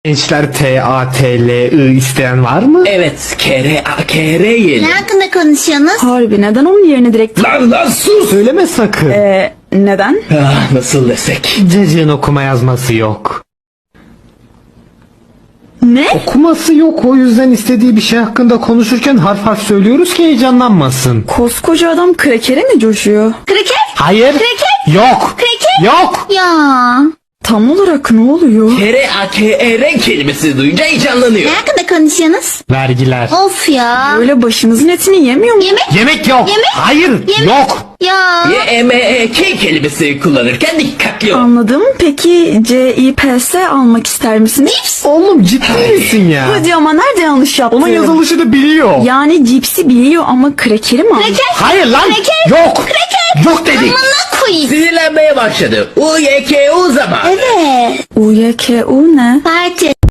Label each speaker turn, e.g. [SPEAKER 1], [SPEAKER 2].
[SPEAKER 1] Gençler TATLI isteyen var mı?
[SPEAKER 2] Evet, KR yiyelim.
[SPEAKER 3] Ne hakkında konuşuyorsunuz?
[SPEAKER 4] Harbi neden onun yerine direkt...
[SPEAKER 2] Lan sus!
[SPEAKER 1] Söyleme sakın.
[SPEAKER 4] Neden?
[SPEAKER 2] Ah, nasıl desek?
[SPEAKER 1] Cacığın okuma yazması yok.
[SPEAKER 4] Ne?
[SPEAKER 1] Okuması yok, o yüzden istediği bir şey hakkında konuşurken harf harf söylüyoruz ki heyecanlanmasın.
[SPEAKER 4] Koskoca adam krekere mi coşuyor?
[SPEAKER 3] Kraker?
[SPEAKER 1] Hayır.
[SPEAKER 3] Kreket?
[SPEAKER 1] Yok.
[SPEAKER 3] Kreket?
[SPEAKER 1] Yok.
[SPEAKER 3] Ya.
[SPEAKER 4] Tam olarak ne oluyor?
[SPEAKER 2] KR kelimesi duyunca heyecanlanıyor.
[SPEAKER 3] Ne hakkında konuşuyorsunuz?
[SPEAKER 1] Vergiler.
[SPEAKER 3] Of ya.
[SPEAKER 4] Böyle başınızın etini yemiyor mu?
[SPEAKER 3] Yemek?
[SPEAKER 1] Yemek yok.
[SPEAKER 3] Yemek?
[SPEAKER 1] Hayır.
[SPEAKER 3] Yemek?
[SPEAKER 1] Yok.
[SPEAKER 3] Ya.
[SPEAKER 2] YMEK kelimesi kullanırken dikkatli ol.
[SPEAKER 4] Anladım. Peki CIPS almak ister misiniz?
[SPEAKER 3] Cips?
[SPEAKER 1] Oğlum ciddi misin ya?
[SPEAKER 4] Hadi ama nerede yanlış yaptım?
[SPEAKER 1] Onun yazılışını biliyor.
[SPEAKER 4] Yani cipsi biliyor ama krekeri mi almış?
[SPEAKER 3] Kraker?
[SPEAKER 1] Hayır lan.
[SPEAKER 3] Kreket?
[SPEAKER 1] Yok.
[SPEAKER 3] Kreket?
[SPEAKER 1] Yok dedik.
[SPEAKER 3] Amına koyayım.
[SPEAKER 2] Sinirlenmeye başladı. UYKU zaman.
[SPEAKER 3] Evet.
[SPEAKER 4] UYKU ne?
[SPEAKER 3] Parti.